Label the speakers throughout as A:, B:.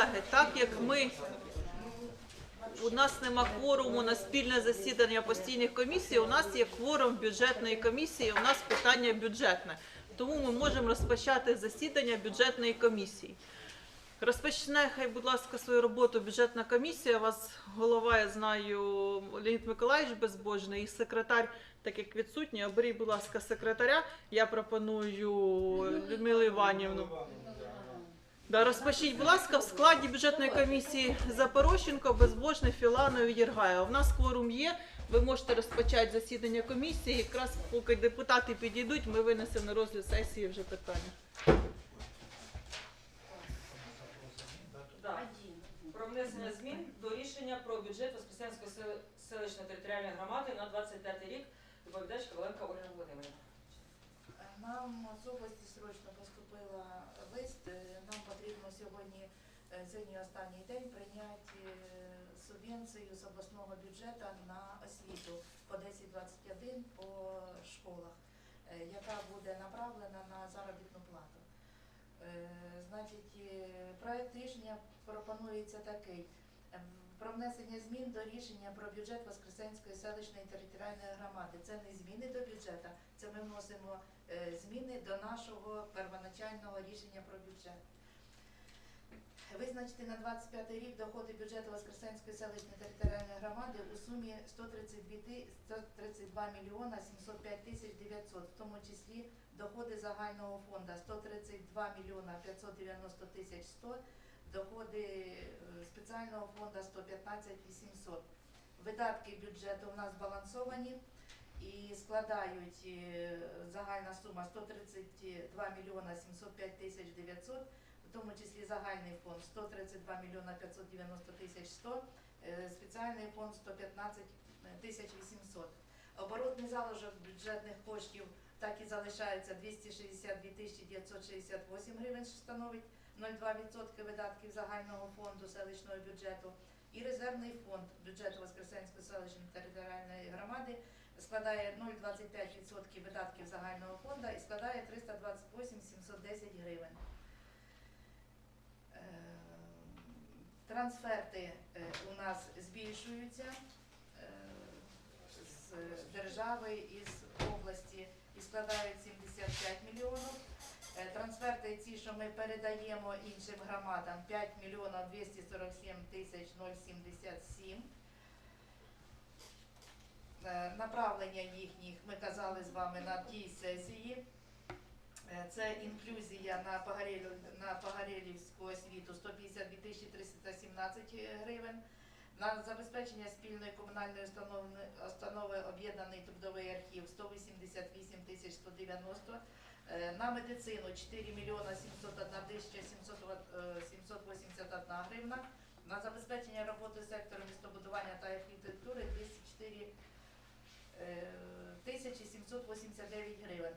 A: колеги, так як у нас нема кворуму на спільне засідання постійних комісій, у нас є кворум бюджетної комісії, у нас питання бюджетне. Тому ми можемо розпочати засідання бюджетної комісії. Розпочне, хай, будь ласка, свою роботу бюджетна комісія. У вас голова, я знаю, Леонід Миколаївич Безбожний, і секретар, так як відсутній, оберіть, будь ласка, секретаря. Я пропоную Людмилу Іванівну. Да, розпочніть, будь ласка, в складі бюджетної комісії Запорощенко, Безбожний, Філанов і Єргаєв. У нас кворум є, ви можете розпочати засідання комісії. Якраз поки депутати підійдуть, ми винесемо на розгляд сесії вже питання.
B: Про внесення змін до рішення про бюджет Воскресенської селищної територіальної громади на 25 рік. Доповідач Коваленко Ольга Володимирівна.
C: Нам з області срочно поступила лист. Нам потрібно сьогодні останній день прийняти субвенцію з обласного бюджету на освіту по 1021 по школах, яка буде направлена на заробітну плату. Значить, проект рішення пропонується такий. Про внесення змін до рішення про бюджет Воскресенської селищної територіальної громади. Це не зміни до бюджету, це ми вносимо зміни до нашого первоначального рішення про бюджет. Визначити на 25 рік доходи бюджету Воскресенської селищної територіальної громади у сумі 132 мільйона 705 тисяч 900, в тому числі доходи загального фонду 132 мільйона 590 тисяч 100, доходи спеціального фонду 115 800. Видатки бюджету у нас збалансовані і складають загальна сума 132 мільйона 705 тисяч 900, в тому числі загальний фонд 132 мільйона 590 тисяч 100, спеціальний фонд 115 тисяч 800. Оборотний залишок бюджетних коштів так і залишається 262 тисячі 968 гривень, що становить 0,2% видатків загального фонду селищного бюджету. І резервний фонд бюджету Воскресенської селищної територіальної громади складає 0,25% видатків загального фонду і складає 328 710 гривень. Трансферти у нас збільшуються з держави і з області і складають 75 мільйонів. Трансферти ці, що ми передаємо іншим громадам, 5 мільйонів 247 тисяч 077. Направлення їхніх ми казали з вами на тій сесії. Це інклюзія на Погорєлівську освіту 152 тисячі 317 гривень. На забезпечення спільної комунальної установи об'єднаний трудовий архів 188 тисяч 190. На медицину 4 мільйона 701 тисяча 781 гривна. На забезпечення роботи сектору містобудування та архітектури 204 тисячі 789 гривень.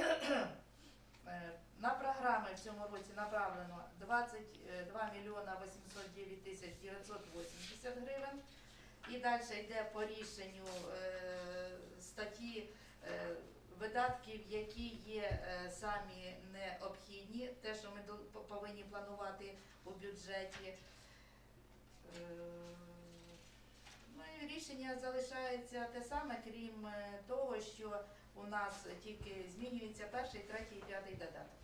C: На програми в цьому році направлено 22 мільйона 809 тисяч 980 гривень. І далі йде по рішенню статті видатків, які є самі необхідні, те, що ми повинні планувати у бюджеті. Ну і рішення залишається те саме, крім того, що у нас тільки змінюється перший, третій і п'ятий додаток.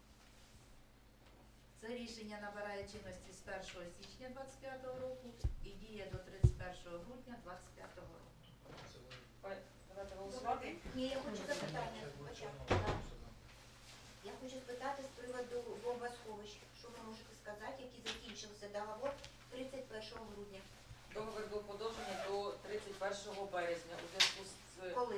C: Це рішення набирає чинності з 1 січня 2025 року і діє до 31 грудня 2025 року.
B: Давайте голосувати.
D: Ні, я хочу запитання спочатку. Я хочу спитати з приводу бомбосховищ. Що ви можете сказати, який закінчився договор 31 грудня?
B: Договір був подовжений до 31 березня. У зв'язку з
D: Коли?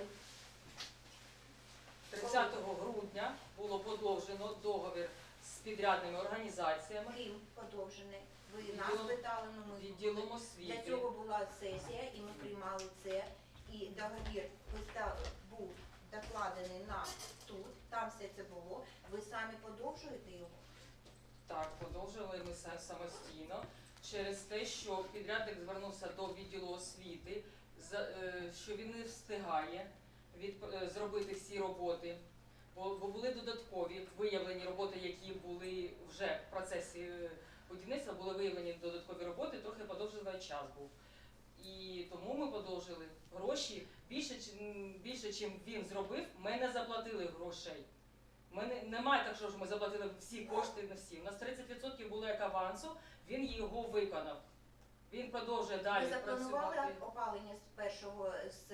B: 30 грудня було подовжено договір з підрядними організаціями.
D: Ким подовжений? Ви нас питали, але ми
B: відділом освіти.
D: Для цього була сесія і ми приймали це. І договір був докладений нам тут, там все це було. Ви самі подовжуєте його?
B: Так, подовжили ми самостійно через те, що підрядник звернувся до відділу освіти, що він не встигає зробити всі роботи, бо були додаткові виявлені роботи, які були вже в процесі будівництва були виявлені додаткові роботи, трохи подовжили час був. І тому ми подовжили гроші більше, чим він зробив, ми не заплатили грошей. Немає так, що ж ми заплатили всі кошти на всі. У нас 30% було як авансу, він його виконав. Він продовжує далі
D: Ви запланували
B: працювати.
D: опалення з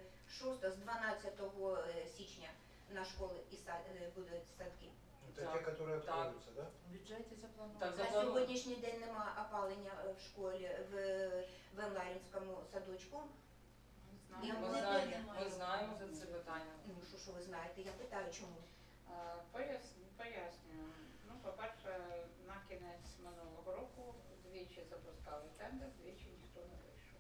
D: 12 січня на школи і будуть садки?
E: Это
B: Так,
E: те, которые
B: так.
E: откроются, да?
C: В бюджеті заплановано.
B: Так,
D: На
B: заплановано.
D: сьогоднішній день немає опалення в школі в Емларінському садочку. Я
B: Ми
D: не
B: знаємо, ми знаємо за це питання.
D: Ну, що ви знаєте, я питаю, чому?
F: Пояснюю. Ну, по-перше, на кінець минулого року двічі запускали тендер, двічі ніхто не вийшов.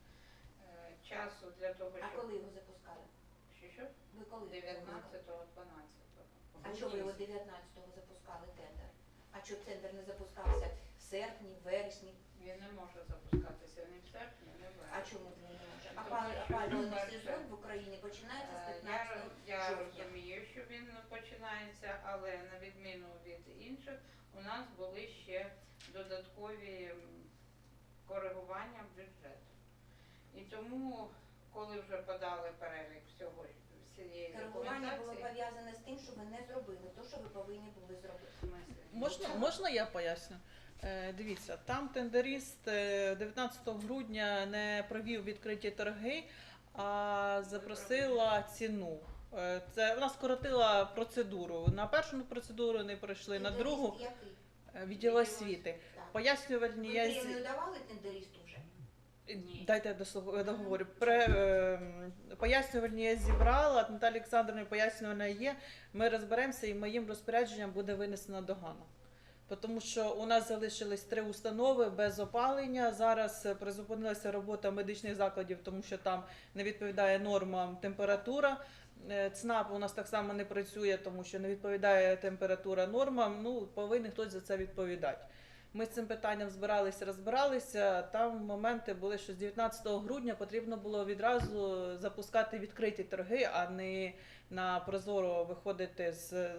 F: Часу для того,
D: А
F: щоб...
D: коли його запускали?
F: Що?
D: Ви коли?
F: 19-го, 12-го.
D: А чого ви його 19-го запускали тендер? А чого тендер не запускався в серпні, в вересні?
F: Він не може запускатися ні в серпні, ні в
D: А
F: вересні.
D: чому він не може?
F: Тому що,
D: Опалювальний
F: по-перше,
D: сезон в Україні починається з 15
F: Я
D: жовтня.
F: розумію, що він починається, але на відміну від інших, у нас були ще додаткові коригування бюджету. І тому, коли вже подали перелік всієї
D: Коригування було
F: документації,
D: пов'язане з тим, що ви не зробили те, що ви повинні були зробити.
F: в смислі,
A: Можна я поясню? Дивіться, там тендеріст 19 грудня не провів відкриті торги, а запросила ціну. Вона скоротила процедуру. На першу процедуру не пройшли, на
D: Тендеріст
A: другу
D: який?
A: відділ освіти.
D: Так.
A: Пояснювальні
D: Ви
A: я
D: премію давали тендерісту вже?
F: Ні.
A: Дайте я договорю. Пояснювальні я зібрала, Наталя Олександровна пояснювальна є. Ми розберемося і моїм розпорядженням буде винесена догана. Тому що у нас залишились 3 установи без опалення. Зараз призупинилася робота медичних закладів, тому що там не відповідає нормам температура. ЦНАП у нас так само не працює, тому що не відповідає температура нормам. Ну, повинен хтось за це відповідати. Ми з цим питанням розбиралися. Там моменти були, що з 19 грудня потрібно було відразу запускати відкриті торги, а не на прозоро виходити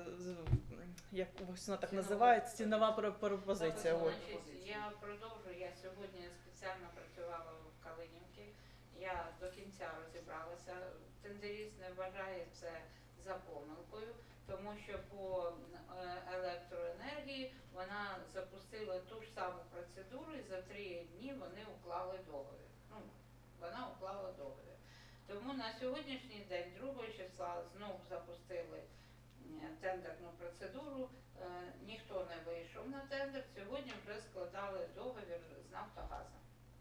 A: як вона так називається, цінова пропозиція. От.
F: Значить, я продовжую. Я сьогодні спеціально працювала в Калинівці. Я до кінця розібралася. Тендеріст не вважає це за помилкою, тому що по електроенергії вона запустила ту ж саму процедуру і за 3 дні вони уклали договір. Ну, вона уклала договір. Тому на сьогоднішній день, 2 числа, знову запустили тендерну процедуру. Ніхто не вийшов на тендер. Сьогодні вже складали договір з Нафтогазом.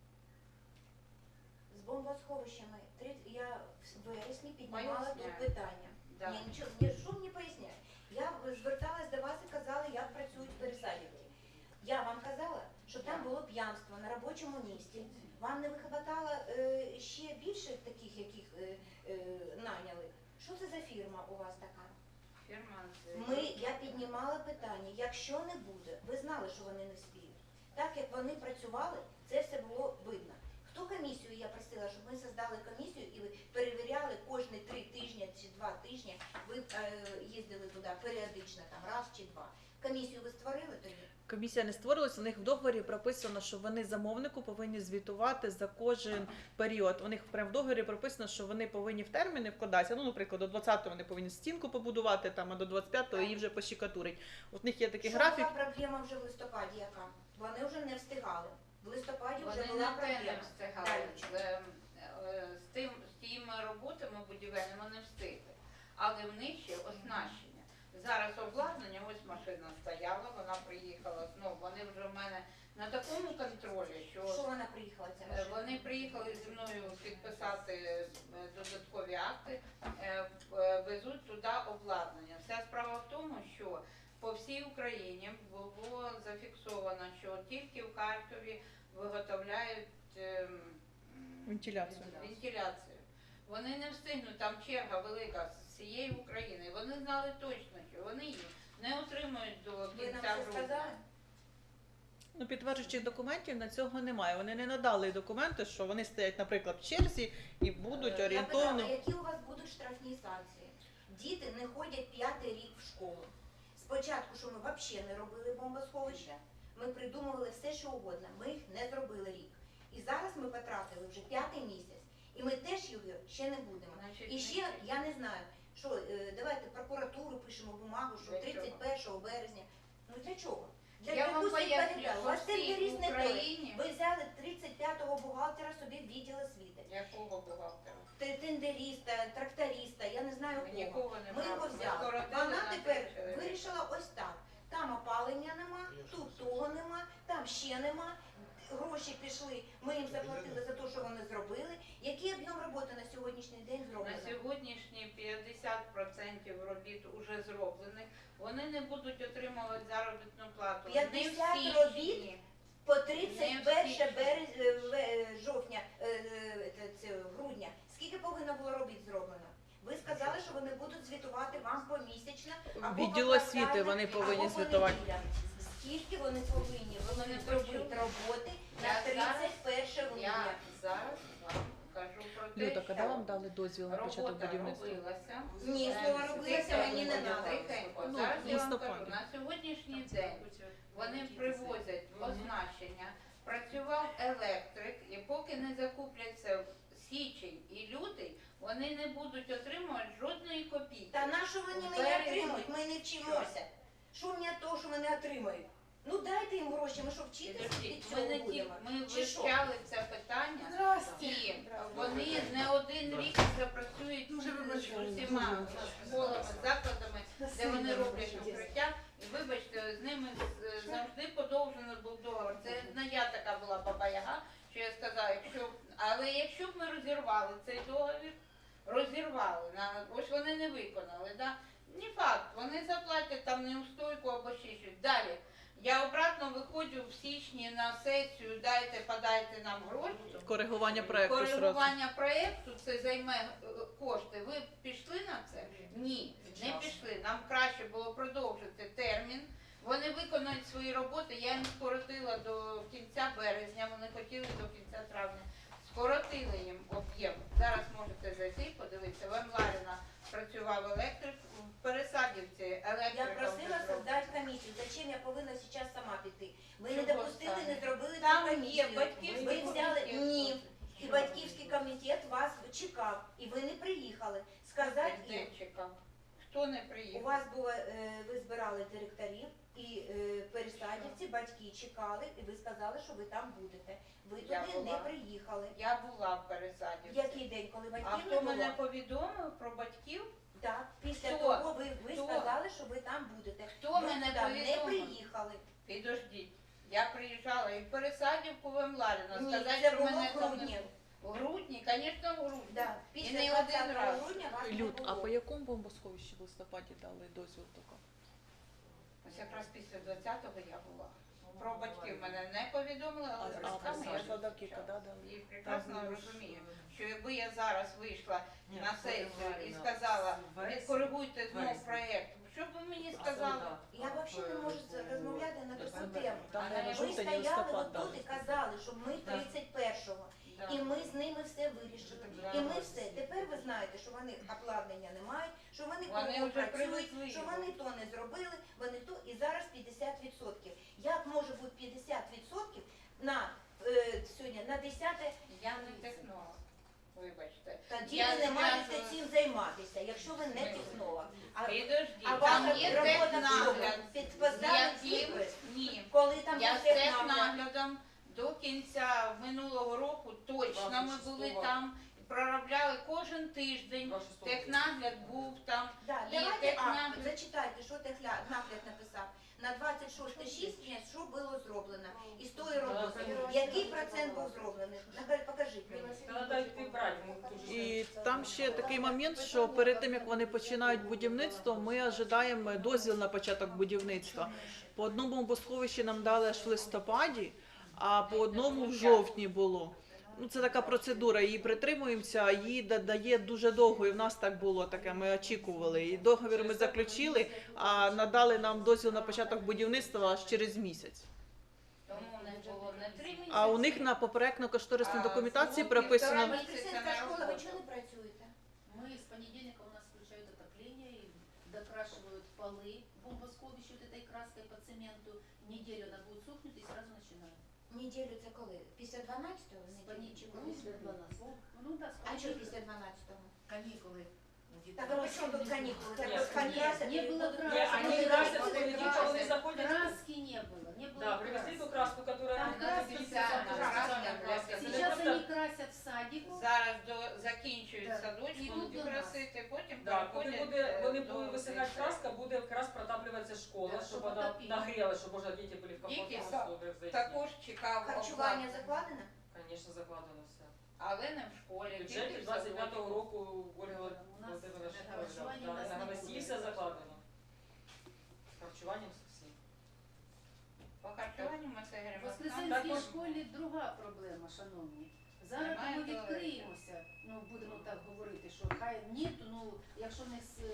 D: З бомбосховищами я в вересні піднімала
F: Поясняю.
D: тут питання.
F: Да.
D: Ні, нічого, що мені поясняє? Я зверталась до вас і казала, як працюють пересадівки. Я вам казала, що там було п'янство на робочому місці. Вам не вихватало ще більше таких, яких наняли? Що це за фірма у вас така?
F: Фірма
D: Я піднімала питання, якщо не буде, ви знали, що вони не спіють. Так як вони працювали, це все було видно. Хто комісію, я просила, щоб ми создали комісію і ви перевіряли кожні 3 тижні чи 2 тижні, ви їздили туди періодично, там раз чи 2. Комісію ви створили тоді?
A: Комісія не створилась, у них в договорі прописано, що вони замовнику повинні звітувати за кожен період. У них прямо в договорі прописано, що вони повинні в терміни вкладатися. Ну, наприклад, до 20-го вони повинні стінку побудувати, там, а до 25-го її вже пощикатурить. От в них є такий
D: Що
A: графік.
D: була проблема вже в листопаді яка? Вони вже не встигали. В листопаді вже
F: Вони
D: була
F: на те не
D: проблема.
F: встигали.
D: Далі.
F: З тими роботами будівельними не встигли. Але в них ще оснащення. Зараз обладнання, ось машина стояла, вона приїхала знову. Вони вже в мене на такому контролі,
D: Що вона приїхала ця машина?
F: вони приїхали зі мною підписати додаткові акти, везуть туди обладнання. Вся справа в тому, що по всій Україні було зафіксовано, що тільки в Харкові виготовляють
A: Вентиляцію.
F: вентиляцію. Вони не встигнуть, там черга велика з всієї України. Вони знали точно, що вони її не отримують до
D: Ви нам
F: кінця
D: це
F: грудня.
D: сказали?
A: Ну, підтверджуючих документів на цього немає. Вони не надали документи, що вони стоять, наприклад, в черзі і будуть
D: Я
A: орієнтовно.
D: питала, які у вас будуть штрафні санкції? Діти не ходять 5-й рік в школу. Спочатку, що ми взагалі не робили бомбосховище, ми придумували все, що угодно. Ми їх не зробили рік. І зараз ми потратили вже 5-й місяць. І ми теж його ще не будемо.
F: Значить,
D: І ще, я не знаю, що давайте прокуратуру пишемо бумагу, що
F: Для
D: 31 березня. Ну для чого? Для
F: Я вам
D: якусь
F: поясню,
D: відповідальність. У вас
F: що всій
D: тендеріст не той.
F: Україні,
D: Ви взяли 35-го бухгалтера собі в відділ освіти.
F: якого бухгалтера?
D: Тендеріста, тракториста, я не знаю
F: Ми
D: кого.
F: нікого не
D: Ми його
F: брали. Ми
D: взяли.
F: скоротили
D: Вона
F: на
D: тепер
F: 3 чоловіка.
D: вирішила ось так. Там опалення нема, тут того нема, там ще нема. Гроші пішли, ми їм заплатили за те, що вони зробили. Який об'єм роботи на сьогоднішній день
F: На
D: зроблено?
F: сьогоднішні 50% робіт уже зроблених. Вони не будуть отримувати заробітну плату.
D: 50
F: Не в
D: робіт?
F: січні.
D: По 31
F: всі.
D: жовтня, грудня. Скільки повинно було робіт зроблено? Ви сказали, що вони будуть звітувати вам помісячно. або
A: Відділ
D: поквартально,
A: освіти вони повинні
D: або по
A: звітувати.
D: неділям. Скільки вони повинні
F: не
D: зробити
F: почули.
D: роботи на
F: Я
D: 31 грудня?
F: Я зараз вам кажу про те,
A: Люда, коли
F: що
A: вам дали дозвіл на початок
F: робота
A: будівництва?
F: робилася.
D: Ні, слово робилося, мені не надо.
F: Тихенько.
A: Ну,
F: Зараз я вам
A: листопаді.
F: кажу, на сьогоднішній день вони привозять означення, працював електрик, і поки не закупляться січень і лютий, вони не будуть отримувати жодної копійки.
D: Та на що вони мене
F: Березні.
D: отримують? Ми не вчимося. Що мені від того, що вони отримають? Ну дайте їм гроші, ми що вчитися від
F: Підождіть,
D: цього
F: ми не ті,
D: будемо?
F: ми
D: Чи що?
F: вивчали це питання, і вони не один рік запрацюють з усіма школами, закладами, де вони роблять укриття. І вибачте, з ними завжди подовжений був договор. Це не я така була баба-яга, що я сказала, але якщо б ми розірвали цей договір, ось вони не виконали, да? Не факт, вони заплатять там неустойку або ще щось. Далі. Я обратно виходжу в січні на сесію, подайте нам гроші.
A: Коригування проекту зразу.
F: Коригування проєкту це займе кошти. Ви пішли на це? Ні, не пішли. Нам краще було продовжити термін. Вони виконують свої роботи. Я їм скоротила до кінця березня, вони хотіли до кінця травня. Скоротили їм об'єм. Зараз можете зайти, подивитися. В Ларіна працював електрик, в Пересадівці електрик.
D: Я просила создати комісію. Зачем я повинна зараз сама піти? Ви не
F: Чого
D: допустили,
F: саме?
D: не зробили цю
F: Там є
D: комісію.
F: батьківський
D: Ви взяли
F: комітет.
D: ні. І батьківський комітет вас чекав, і ви не приїхали. Сказати їм,
F: Де чекав? Хто не
D: у
F: приїхав?
D: вас було, ви збирали директорів і пересадівці, батьки чекали, і ви сказали, що ви там будете. Ви
F: Я
D: туди
F: була.
D: не приїхали.
F: Я була в Пересадівці.
D: Який день, коли
F: А
D: батьків не
F: хто
D: було?
F: мене повідомив про батьків?
D: Так, після
F: Хто?
D: того ви
F: Хто?
D: сказали, що ви там будете.
F: Хто
D: Ви
F: мене
D: туди не
F: повідомив?
D: приїхали.
F: Підождіть. Я приїжджала і в Пересадівку в Мларіно.
D: Ні,
F: Сказати,
D: це
F: що
D: було
F: мене
D: в
F: там не
D: грудні.
F: було. В грудні, звісно, в грудні.
D: Да.
F: І
D: Після
F: не
D: 20
F: один раз.
D: грудня вас не
A: Люд, а
D: було.
A: по якому бомбосховищі в листопаді дали дозвіл тільки?
F: Ось якраз після 20-го я була. Про батьків мене не повідомили, але з батьками я
A: Садовки
F: зустрічалася.
A: коли дали?
F: І прекрасно розумію, що якби я зараз вийшла на сесію і сказала, відкоригуйте знов проєкт, що б ви мені сказали?
D: Я взагалі не можу розмовляти на таку тему.
A: Там,
F: А
A: наверное,
F: ви
D: Ви
A: жовтень і
D: стояли
A: листопад
D: отут
A: дали.
D: і казали, що ми 31-го.
F: Да.
D: І ми з ними все вирішили. І ми все. Тепер ви знаєте, що вони обладнання не мають, що вони
F: Вони
D: кругом
F: вже
D: працюють,
F: привезли
D: що
F: його.
D: вони то не зробили, вони то. І зараз 50%. Як може бути 50% на сьогодні на 10-те?
F: Я не технолог, вибачте.
D: Тоді
F: Я
D: ви не маєте
F: зв'язую-
D: цим займатися, якщо ви не технолог. А
F: Підождіть,
D: а
F: там
D: ваша
F: є
D: робота в
F: технагляд,
D: чому? Підписати
F: яким,
D: підпис?
F: ні,
D: Коли там
F: я
D: є
F: з
D: технагляд?
F: технаглядом до кінця минулого року точно ми були там, проробляли кожен тиждень, технагляд був там,
D: Да,
F: і
D: давайте
F: технагляд.
D: зачитайте, що технагляд написав. На 26 січня що було зроблено? І з тої роботи. Який процент був зроблений? Покажіть мені.
B: Треба йти брати. ми дуже
A: І там ще такий момент, що перед тим як вони починають будівництво, ми ожидаємо дозвіл на початок будівництва. По одному бомбосховищі нам дали аж в листопаді, а по одному в жовтні було. Ну, це така процедура, її притримуємося, її дає дуже довго, і в нас так було таке, ми очікували. І договір ми заключили, а надали нам дозвіл на початок будівництва аж через місяць.
F: Тому у них було не 3 місяці.
A: А у них на попередньо-кошторисній
F: А,
A: документації
F: ну,
A: прописано...
F: півтора
D: Воскресенська школа, ви чого не працюєте?
E: Мы с понедельника у нас включают отопление и докрашивают полы бомбосховище вот этой краской по цементу, неделю она будет сохнуть и сразу начинает.
D: Неділю це коли? Після 12-го?
E: С
D: неділю?
E: понедельника.
D: Чи коли?
E: Ну да, с
D: А що
E: понедельника.
D: після 12-го?
C: Канікули.
D: Так а при чому тут канікули? Так
B: Ні,
D: от хай
B: ні,
D: красять
E: не
D: і
E: було
D: будуть-
E: краски.
B: Ні, вони
E: Ні,
B: красять,
E: краски,
B: вони
E: краски.
B: дівчата, вони заходять.
E: Краски не было, не было
B: Да, привезли
E: краски.
B: ту краску, которая
E: Там
B: она
E: краски
B: делится,
F: специально,
B: там
F: краска,
B: специальная краска. Це не
E: Сейчас
B: просто-
E: они красят в садику.
F: Зараз закінчують
E: Так.
F: садочку,
E: Ідуть
F: будуть
E: до нас.
F: красити, потім
B: Да, коли
F: переходять
B: буде, вони
F: до
B: будуть висихати
F: цих.
B: краска, буде якраз протаплюватися школа,
E: Так,
B: щоб
E: щоб
B: вона
E: отопити.
B: нагріла, щоб можна діти були в
F: Тільки
B: комфортних условиях зайти.
F: Також чекав
D: Харчування
F: оплату.
D: закладено?
B: Звісно, закладено все.
F: Але не в школі,
B: В
F: тільки
B: бюджеті
F: в
B: 25-го
F: садочку.
B: року Ольга
E: У нас
B: Володимирівна
E: харчування у нас
B: на
E: не
B: ГВСІ
E: буде.
B: все закладено. З харчуванням всі.
F: По харчуванню ми це
E: В
F: говоримо.
E: Воскресенській
B: Також-
E: школі друга проблема, шановні. Зараз
F: Немає
E: ми
F: туалетів.
E: відкриємося, ну будемо так говорити, що хай ні, то, ну якщо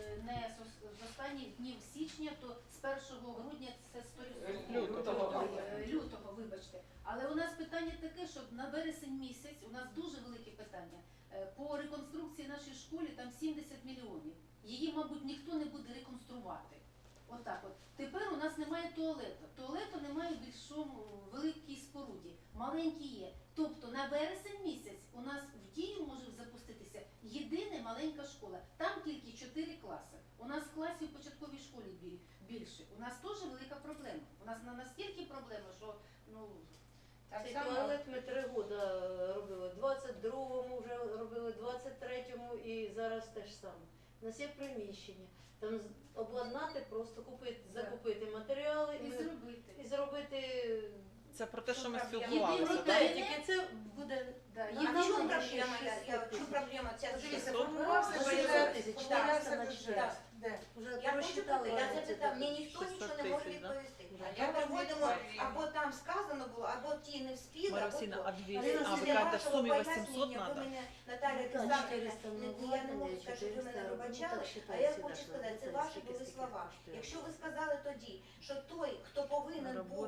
E: з останніх днів січня, то з 1 грудня це 100%. Лютого, вибачте. Але у нас питання таке, що на вересень місяць у нас дуже велике питання. По реконструкції нашої школи там 70 мільйонів. Її, мабуть, ніхто не буде реконструвати. Отак от. Тепер у нас немає туалету. Туалету немає в більшому великій споруді. Маленький є. Тобто на вересень місяць у нас в дію може запуститися єдина маленька школа. Там тільки 4 класи. У нас класів в початковій школі більше. У нас теж велика проблема. У нас настільки проблема, що ну
F: Так
G: Цей
F: само
G: туалет ми 3 роки робили. 22-му вже робили, 23-му і зараз те ж саме. У нас є приміщення. Там обладнати, просто купити, закупити матеріали
E: і зробити.
G: і зробити.
A: Це про те, що ми
D: Єдиний
A: спілкувалися.
E: Єдиний
A: так?
G: Проте, тільки це буде
E: Да,
D: А в
E: єдине,
D: чому
G: нам
D: проблема? В чому проблема? Ця
C: Дивіться,
A: Сто-
C: формувався
G: 60
C: бюджет,
G: тисяч,
C: формувався
G: 400
C: бюджет.
D: Так.
C: Де?
G: вже
D: Я хочу
G: просчитали.
D: питати, я запитав, мені ніхто
A: 600
D: нічого не може
A: тисяч, да?
D: відповісти.
F: А
D: Ми
F: я
D: проводимо,
F: відповім.
D: або там сказано було, або ті не вспіли, або
A: Марусіна,
D: то.
A: а 200,
D: Але
A: а ви
D: після
A: кажете, в
D: вашого
A: сумі
D: пояснення
A: 800
D: ви
A: треба?
D: мене, Наталя
G: Так,
D: Олександрівна,
G: 400
D: я не можу сказати, що ви мене пробачали, а я хочу сказати, це ваші були слова. Якщо ви сказали тоді, що той, хто повинен був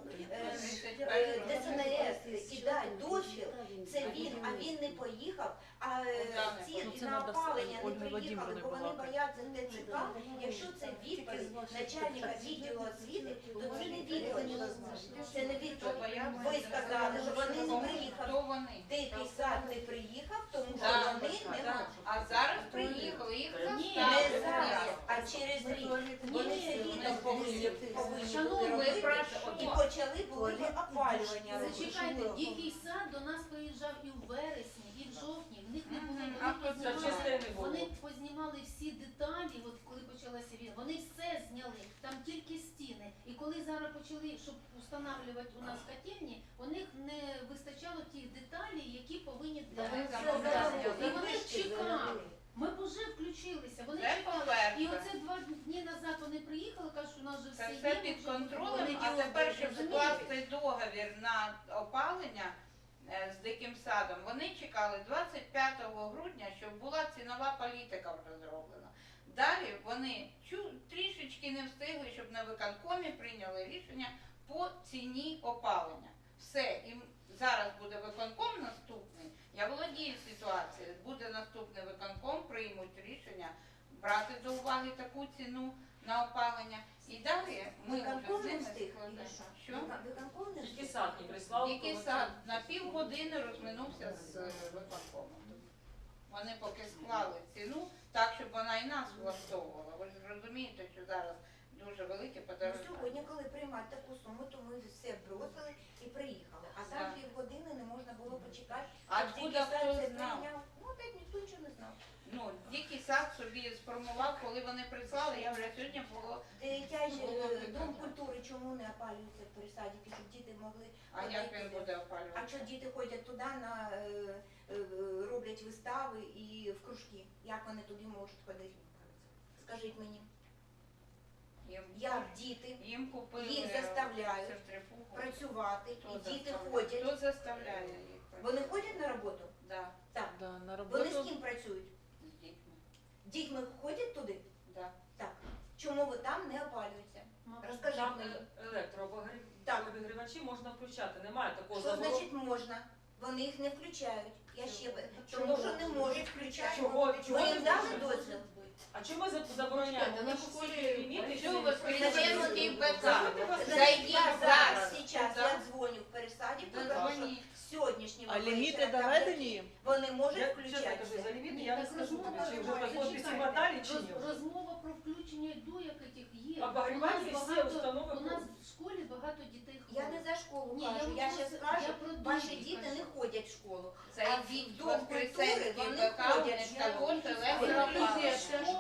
D: ДСНС і дати дозвіл, це він, а він не поїхав, а ці
A: Ну, це
D: на
A: надо
D: опалення не
A: Ольги
D: приїхали,
A: Владимирівни
D: бо вони
A: балакати.
D: бояться ТЦК. Якщо це відповідь начальника відділу освіти, то це не відповідь. Це не відповідь. Ви сказали, що вони не приїхали.
F: Хто вони?
D: Дикий сад не приїхав, тому що
F: Да,
D: вони не
F: да.
D: можуть.
F: А зараз приїхали, їх
E: Ні,
D: Не
F: заставили.
D: зараз, а через рік. Вони це літом повинні бути
E: Шановні,
F: ви
D: робити.
F: про
D: І
F: що?
D: почали були опалювання робити.
E: Зачекайте, дикий сад до нас приїжджав і в вересні, і в жовтні. В них не було,
F: Мгм.
E: вони
F: А тут
E: познімали,
B: частини було.
E: вони познімали всі деталі, от коли почалася війна, вони все зняли, там тільки стіни. І коли зараз почали, щоб встановлювати у нас котельні, у них не вистачало тих деталей, які повинні
G: Та
E: для
G: ви
E: них
G: все
E: замовляти.
G: заробили,
E: І вони
G: вишки
E: чекали.
G: заробили.
E: Ми б уже включилися, вони
F: Це
E: чекали. І
F: по-перше.
E: оце 2 дні назад вони приїхали, кажуть, що у нас вже
F: Це
E: все
F: все
E: є.
F: під
E: вже
F: контролем,
E: вони
F: а тепер, щоб
E: розумієте?
F: скласти договір на опалення з диким садом, вони чекали 25 грудня, щоб була цінова політика вже зроблена. Далі вони трішечки не встигли, щоб на виконкомі прийняли рішення по ціні опалення. Все, і зараз буде виконком наступний. Я володію ситуацією. Буде наступний виконком, приймуть рішення брати до уваги таку ціну на опалення. І далі ми вже
D: Виконком
F: з
D: не
F: ними
D: встиг,
F: складемо.
D: Ілля?
F: Що?
D: Виконком не
B: Тільки
D: встиг?
B: сад не прислав.
F: Який сад на півгодини розминувся з виконкомом. Вони поки склали ціну так, щоб вона і нас влаштовувала. Ви ж розумієте, що зараз дуже велике
D: Ну,
F: подорожчання.
D: сьогодні, коли приймати таку суму, то ми все бросили і приїхали. А там
F: Да.
D: півгодини не можна було почекати.
F: А
D: щоб
F: откуда
D: дикий сад
F: хто
D: це
F: знав?
D: прийняв. Ну, опять ніхто нічого не знав.
F: Ну, дикий сад собі сформував, коли вони прислали, я вже сьогодні було.
D: Дитячий
F: Було
D: дом
F: питання.
D: культури чому не опалюється при садіки, щоб діти могли
F: А
D: ходити
F: як він
D: туди?
F: буде
D: А
F: опалювати?
D: що діти ходять туди, роблять вистави і в кружки? Як вони туди можуть ходити? Скажіть мені, як діти
F: Їм купили
D: їх заставляють
F: центрифугу.
D: працювати,
F: Хто
D: і діти
F: заставляє?
D: ходять.
F: Хто заставляє їх працювати?
D: Вони ходять на роботу?
F: Да,
D: Так.
A: Да, на
D: Вони з
A: роботу.
D: ким працюють?
F: з дітьми.
D: Дітьми ходять туди?
F: Да.
D: Так. Чому ви там не опалюється?
E: Мабуть,
D: Розкажіть
B: Там
D: мені.
B: електрообігрівачі можна включати, немає такого
D: Що
B: заборону.
D: значить можна? Вони їх не включають. Я ще
B: Чому?
D: тому що не можуть включати.
B: Чого?
D: Ви їм дали
E: може
D: дозвіл?
E: бути.
B: А чому ми забороняємо?
G: Чекайте,
B: Ми
G: на
B: ж всі
G: школі-
B: ліміти,
F: Чого ви
B: всі-
F: Воскресенський БК?
D: Зайдіть зараз,
F: Зайдіть.
D: зараз
F: Да.
D: я дзвоню в Пересадівку,
F: Да,
D: тому що
F: дзвоніть.
D: сьогоднішнього
A: А ліміти
D: вечора там
A: доведені їм?
D: вони можуть
B: Я чесно кажу,
D: включатися.
B: за ліміти
E: Ні,
B: я не
E: так
B: скажу
E: розмова
B: тобі, чи вже
E: триває.
B: підписи
E: Зачекайте.
B: хваталі, чи ні.
E: Розмова про включення дуєк яких є.
B: Обогрівальні
E: У нас
B: всі
E: багато-
B: установи
E: У нас в школі багато дітей
D: Я
E: хворих.
D: не за школу
E: Ні,
D: кажу,
E: я
D: я
E: просто-
D: ще скажу,
E: я про
D: ваші
E: дітей
D: діти
E: кажу.
D: не ходять в школу.
F: Зайдіть
D: А
F: в
D: в Дом культури
F: Воскресенський
D: вони
F: БК, у
D: ходять
F: них
D: в
F: також
D: школу.
F: електроопалення.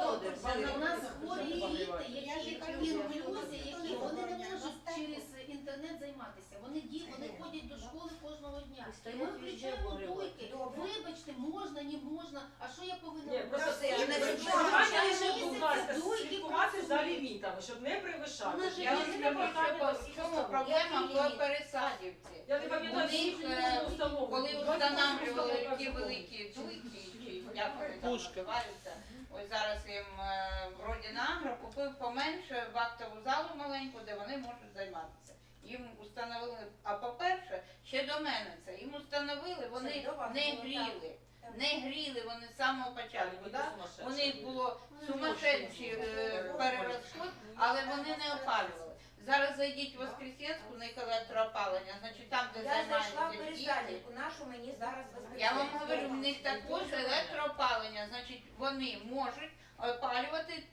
E: У нас хворі діти, які інклюзія, які вони не можуть через інтернет займатися. Вони ходять до школи кожного дня. І ми включаємо дуйки. Вибачте, можна, не можна. А що я повинна
B: Ні,
E: робити?
B: просто
D: Це ж не
B: прохання
E: Через
B: лише,
E: місяць
B: будь ласка,
E: дуйки
B: слідкувати за
E: працюють.
B: лімітами, щоб не перевищати.
E: Вона ж
F: Я
E: є
F: вам
B: Є
F: скажу,
B: питання
F: що
B: до
F: в
B: всіх
F: чому
B: установ.
F: проблема
D: Які
F: в
D: ліміти?
F: Пересадівці.
B: Я не пам'ятаю,
F: Вони
B: скільки
F: ж,
B: було установ.
F: Коли
B: 28
F: встановлювали
B: установ,
F: ті
B: так,
F: великі дуйки, чи як вони там
A: Пушки.
F: називаються, ось зараз їм Родінагро купив поменше в актову залу маленьку, де вони можуть займатися. Їм установили, а по-перше, ще до мене це, їм установили, вони
D: Це до вас
F: не
D: було,
F: гріли.
D: так.
F: Не гріли вони з самого початку.
B: Ліміти
F: Да?
B: сумасшедші.
F: У них було сумасшедший перерозход, але вони не опалювали. Зараз зайдіть в Воскресенську, у них електроопалення, значить там, де
D: Я зайшла в
F: займаються діти.
D: Пересадівку, нашу мені зараз
F: Я вам говорю, в них також електроопалення, значить вони можуть опалювати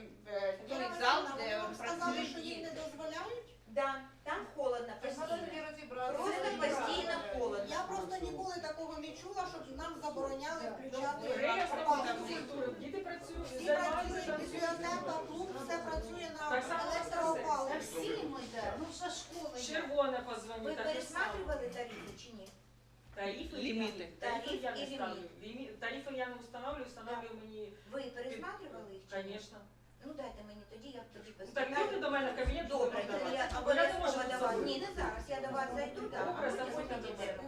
F: той зал, де працюють діти.
H: дозволяють?
D: Да, там холодно, постійно. Просто постійно холодно.
H: Я просто ніколи такого не чула, щоб нам забороняли включати
B: Реєстр
H: опалення.
B: культури. Діти працюють,
H: Всі
B: займаються
H: працюють,
B: там.
H: бібліотека, клуб, все працює на
B: Так само
E: Та
H: електроопаленні.
E: всі ми, да. Ну, вся школа є.
B: Червоне
D: Ви
B: позвонить, так і само.
D: пересматривали тарифи чи ні?
B: Тарифи
A: Ліміти.
B: Тарифи я не
D: Тариф і
B: ставлю. Тарифи я не встановлюю мені,
D: Ви пересматривали їх чи ні?
B: звісно.
D: Ну дайте мені тоді, я тоді
B: Так люди
D: поспитаю.
B: до мене в кабінет
D: Добре,
B: будуть
D: тоді я
B: давати. Бо я не можу
D: обов'язково до вас.
B: тут
D: Ні, не зараз, я до вас зайду, так, а
B: Добре,
D: потім
B: заходьте до
D: підійдемо.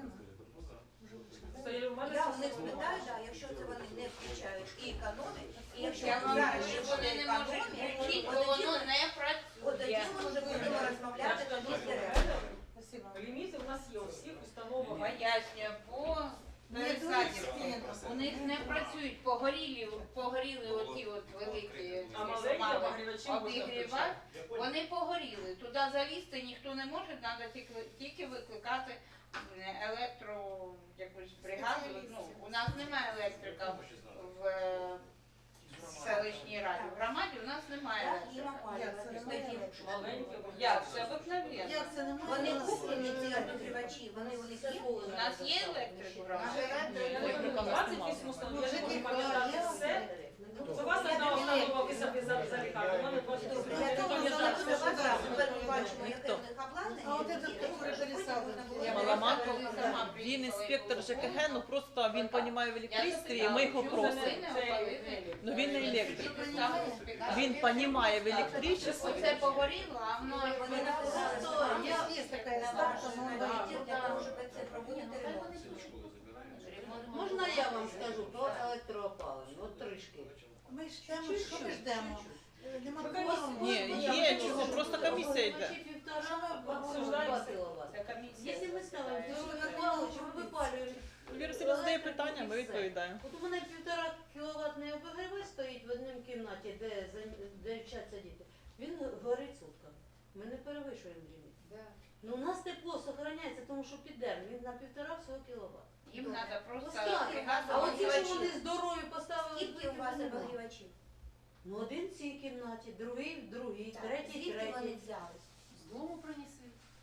B: У мене
D: Я
B: це
D: у них
B: все
D: спитаю, да, якщо це вони не включають і економять, і якщо
F: Я вам
D: зараз
F: говорю,
D: ще
F: вони
D: буде
F: не можуть
D: економія,
F: включити,
D: от
F: бо
D: тоді
F: воно
D: ми-
F: не
D: от тоді
F: працює.
D: ми вже будемо розмовляти
B: Я ж
D: тоді з
B: кажу,
D: директором.
B: ліміти у нас є у всіх установах.
F: Пояснюю, по Пересадівці у них не працюють, погоріли оті от великі
B: А маленькі
F: мали
B: обогрівачі можна
F: обігрівач,
B: включати.
F: вони погоріли. Туди залізти ніхто не може, треба тільки викликати електро якусь бригаду. Ну, у нас немає електрика в селищній раді. В громаді у нас немає
D: Так, їм
F: електрика.
D: опалювати. Тоді
B: Маленькі
F: Як? Це обикновенно.
H: Як це немає?
D: Вони куплені, ці обігрівачі, вони у них є.
F: У нас є електрик в громаді?
B: Я не пам'ятаю, 28 установ, я не можу пам'ятати все. У вас одна установа, ви собі залікали, у мене 28.
D: Я
B: Я не
D: думаю, що
B: пам'ятаю
D: ми
B: все.
D: зараз ми бачимо, яке
A: Ніхто.
D: в них обладнання.
H: А от це
D: і
H: хто
D: щоб
H: пересадив?
D: можна було-
A: Я Маламаков,
F: Коли сама
A: він
F: приїхала
A: інспектор
F: і
A: ЖКГ, ну просто він розуміє в
F: Я
A: електричестві, і
F: запитала,
A: ми його
F: чому
A: просимо.
F: ви не опалили?
A: Ну, він не електрик. Він
F: Він
A: розуміє в електричестві.
F: Оце погоріло, а воно
D: Вони написали,
H: Що,
D: що
H: є така
D: на
H: ставка,
D: ваш
H: ну,
D: відділ для того, щоб це проводити ремонт.
G: Можна я вам скажу про електроопалення? От трішки.
H: Ми ждемо, що ми ждемо? Нема
B: Ви
H: кворуму.
A: Ні, є чого, просто комісія йде.
F: Це комісія.
G: Якщо ми ставимо, то ви випалюєте, ви випалюєте.
A: Вірусь задає питання, ми відповідаємо.
G: От у мене 1,5 кіловатний обігрівач стоїть в одній кімнаті, де вчаться діти. Він горить сутками. Ми не перевищуємо ліміт. Ну у нас тепло зберігається, тому що підемо. Він на 1,5 всього кіловат.
F: Їм треба просто
G: Поставити.
F: бригада
G: А от ті, що
F: обігрівачів.
G: вони здорові поставили,
D: Скільки у вас
G: нема.
D: обігрівачів?
G: Ну один в цій кімнаті, другий в другій,
D: Так,
G: третій,
D: звідки вони
G: третій.
D: взялись?
E: З дому принесли.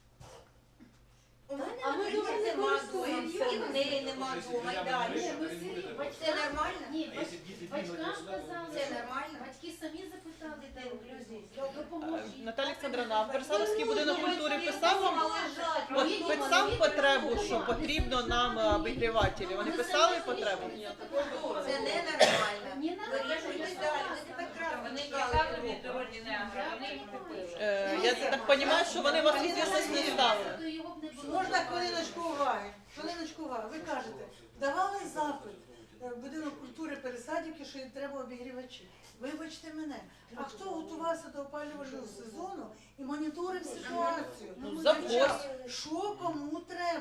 D: У мене,
G: А ми
D: наприклад,
G: дуже не
D: нема
G: користуємося.
D: дома, і в неї нема дома, і далі.
E: Ні, ми всі
D: Це
E: батькам,
D: нормально?
E: ні, батькам казали,
D: Це
E: що
D: нормально?
E: батьки самі запитали дітей інклюзії.
A: А,
E: Допоможіть.
A: Наталя Олександровна, а Версаловський будинок культури писав вам?
G: лежать.
A: От писав потребу, що потрібно нам обігрівателі. Вони писали потребу?
D: Це ненормально.
E: Ні, не
D: Вирішуйте далі. Ви тепер красно
F: Вони
D: шукали
F: казали
D: дорогу.
F: від Родінагро, вони їх купили.
A: Я так розумію, що вони вас в зв'язку не ставили.
E: То його б не було.
H: Можна хвилиночку уваги? Хвилиночку уваги. Ви кажете, давали запит в будинок культури Пересадівки, що їм треба обігрівачі. Вибачте мене, а хто готувався до опалювального сезону і моніторив ситуацію?
A: Ну, завоз.
H: Що кому треба?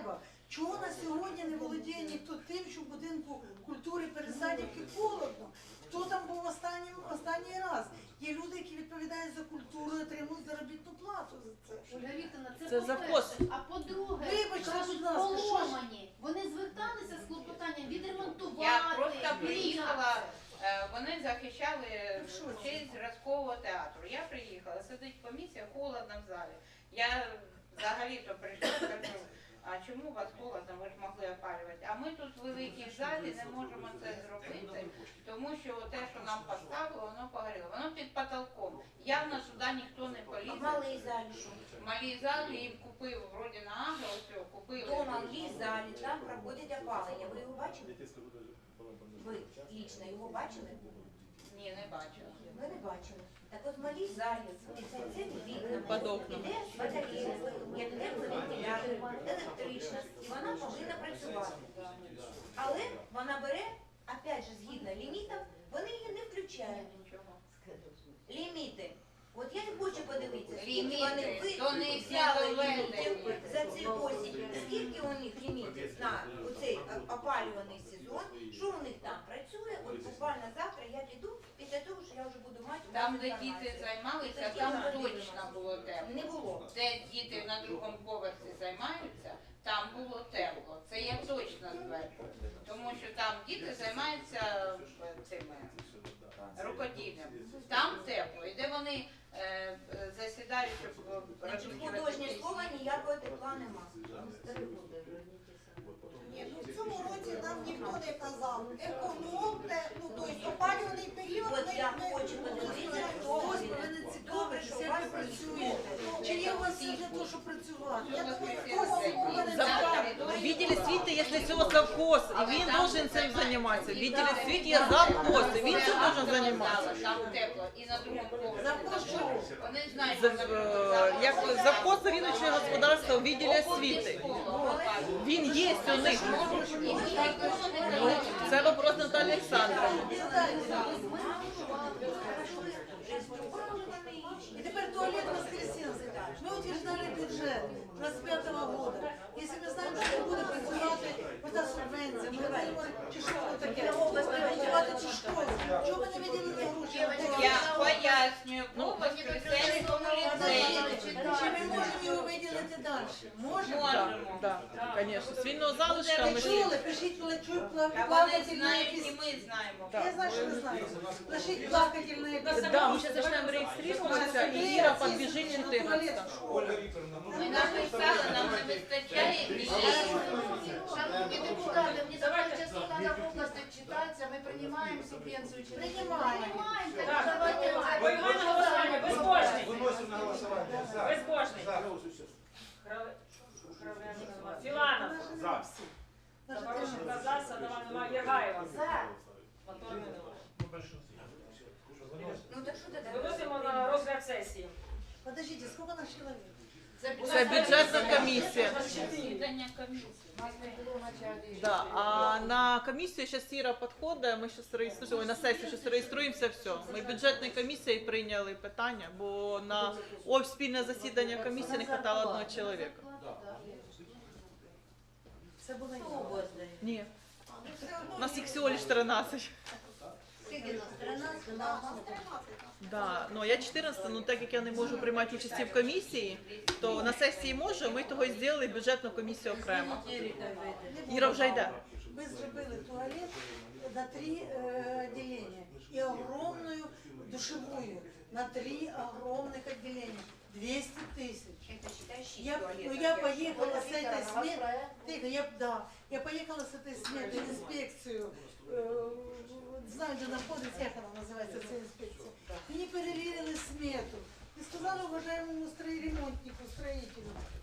H: Чого на сьогодні не володіє ніхто тим, що в будинку культури Пересадівки холодно? Хто там був останній раз? Є люди, які відповідають за культуру і отримують заробітну плату за це.
E: Ольга Вікторівна,
A: Це
E: це
A: завхоз.
E: по-перше. А по-друге,
H: Вибачте,
E: кажуть,
H: будь ласка, що ж?
E: поломані. Вони зверталися з клопотанням відремонтувати.
F: Я просто приїхала,
E: міняти.
F: вони захищали
H: Що
F: честь зразкового театру. Я приїхала, сидить комісія, холодно в залі. Я взагалі-то прийшла, кажу, а чому у вас холодно, ви ж могли опалювати? А ми тут в великій залі не можемо це зробити, тому що те, що нам поставили, воно погоріло. Воно під потолком. Явно сюди ніхто не
D: В
F: полізе.
D: малій залі що?
F: В малій залі їм купив, вроді на Агро, ось купили.
D: До малій залі там проходить опалення. Ви його бачили? Ви лічно його бачили?
F: Ні, не бачила.
D: Ми не бачили. Так от в малій залі це вікна,
A: Під окном.
D: іде батарея, як тепловентилятор, електрична, і вона повинна працювати. Але вона бере, опять же, згідно лімітів, вони її не включають.
F: Нічого.
D: Ліміти. От я не хочу подивитися, скільки
F: Ліміти,
D: вони
F: то не
D: взяли
F: доведені.
D: лімітів за цей осінь, скільки у них лімітів на оцей опалюваний сезон, що у них там працює. От буквально завтра я піду, після того, що я вже буду мати
F: Там,
D: всю
F: де
D: інформацію.
F: діти займалися,
D: Тоді
F: там
D: ми
F: точно
D: подивимося.
F: було тепло.
D: Не було.
F: Де діти на другому поверсі займаються, там було тепло. Це я точно стверджую. Тому що там діти займаються цими рукоділлям. Там тепло. І де вони засідають, щоб
D: Значить, художнє
F: розміщувати
D: слова ніякого тепла нема.
I: Ні, ну в цьому році нам ніхто не казав. Економте, ну тобто опалюваний період.
D: От
I: ми-
D: я
I: ми-
D: хочу подивитися, хто
H: Хтось
D: вони.
H: повинен
D: Добре,
H: цікавитися,
D: що у
H: як
D: вас
H: ви працюєте. Чи є у вас все для того, щоб працювати?
I: Я думаю,
A: Відділі світи, якщо цього завхоз, і він должен цим займатися. Відділі світі є завхоз, і він цим должен займатися.
F: Там тепло. І на другому поверсі.
H: Завхоз чого?
F: Вони знають, що
A: Як завхоз риночного господарства у відділі освіти. Він є у них. Ну, це вопрос Наталі Олександровни.
H: И теперь туалет Воскресенский. Мы утверждали бюджет 25-го года. Если мы знаем, что не буде працювати ота субвенція, ми говоримо, чи що воно таке, працювати чи що. Чого ми не виділили гроші?
F: я пояснюю, по Воскресенському ліцеї.
H: Чи ми можемо його виділити далі? Можемо?
F: Можемо.
A: Так, звісно. З вільного залишка ми
H: Ви
A: ж
H: чули? Пишіть плачу,
F: Та вони
H: плакательне
F: знають, і
H: якісь.
F: ми знаємо.
H: Я знаю, що ви знаєте. Пишіть плакательне якісь.
A: Да, ми зараз почнемо реєструватися, і Іра підбіжить 14.
F: Ми написали, нам не вистачає місць.
E: Шановні депутати, мені давайте частина на області читається, ми приймаємо субвенцію чи не
H: Приймаємо.
E: приймаємо?
J: Так,
E: давайте.
J: Виймай на голосування, безбожний.
K: Виносимо на голосування. За.
J: Безбожний.
K: За.
J: Філанов.
K: За.
J: Запороженка за, Садова нема, Єргаєва.
E: За.
J: Моторний нема.
D: Ну так що тоді?
J: Виносимо на розгляд сесії.
H: Подождите, сколько нас человек?
A: Це бюджетна комісія.
F: Засідання комісії.
A: Да, а на комісію зараз Іра підходить, ми зараз реєструємо, на сесію зараз реєструємося, все. Ми бюджетною комісією прийняли питання, бо на спільне засідання комісії не хватало одного чоловіка.
H: Це було
A: Ні, у нас їх всього лише 13.
H: Скільки нас? 13?
A: Да, ну я 14, ну так як я не можу приймати участі в комісії, то на сесії можу, ми того і зробили бюджетну комісію окремо. Іра вже йде.
H: Ми зробили туалет на 3 отделения и огромную душевую на 3 огромных отделения. 200 тысяч.
D: Это считай 6
H: Я
D: туалетов.
H: поехала с этой сметы, я поехала с этой сметы в инспекцию, знаю, где находится, как она называется, эта инспекция. Мені перевірили смету і сказали уважаемому ремонтнику, строителю,